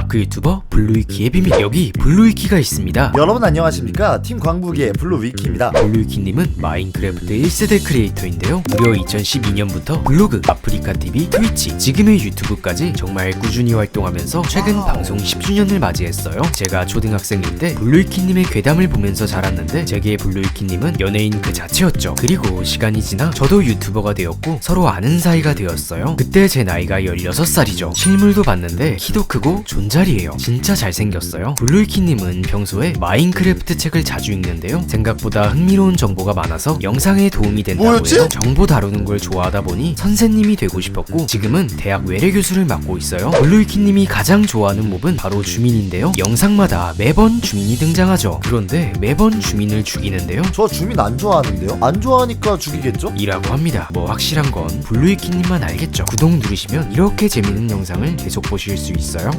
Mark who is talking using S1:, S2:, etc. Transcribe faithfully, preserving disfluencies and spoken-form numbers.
S1: 마크 유튜버 블루위키의 비밀. 여기 블루위키가 있습니다.
S2: 여러분 안녕하십니까, 팀 광북이의 블루위키입니다.
S1: 블루위키님은 마인크래프트 일 세대 크리에이터인데요, 무려 이천십이 년부터 블로그, 아프리카티비, 트위치, 지금의 유튜브까지 정말 꾸준히 활동하면서 최근 방송 십 주년을 맞이했어요. 제가 초등학생일 때 블루위키님의 괴담을 보면서 자랐는데 제게 블루위키님은 연예인 그 자체였죠. 그리고 시간이 지나 저도 유튜버가 되었고 서로 아는 사이가 되었어요. 그때 제 나이가 열여섯 살이죠. 실물도 봤는데 키도 크고 존잘이에요. 진짜 잘생겼어요. 블루위키님은 평소에 마인크래프트 책을 자주 읽는데요, 생각보다 흥미로운 정보가 많아서 영상에 도움이 된다고
S2: 뭐였지?
S1: 해서 정보 다루는 걸 좋아하다 보니 선생님이 되고 싶었고 지금은 대학 외래 교수를 맡고 있어요. 블루위키님이 가장 좋아하는 몹은 바로 주민인데요, 영상마다 매번 주민이 등장하죠. 그런데 매번 주민을 죽이는데요,
S2: 저 주민 안 좋아하는데요? 안 좋아하니까 죽이겠죠?
S1: 이라고 합니다. 뭐 확실한 건 블루위키님만 알겠죠. 구독 누르시면 이렇게 재밌는 영상을 계속 보실 수 있어요.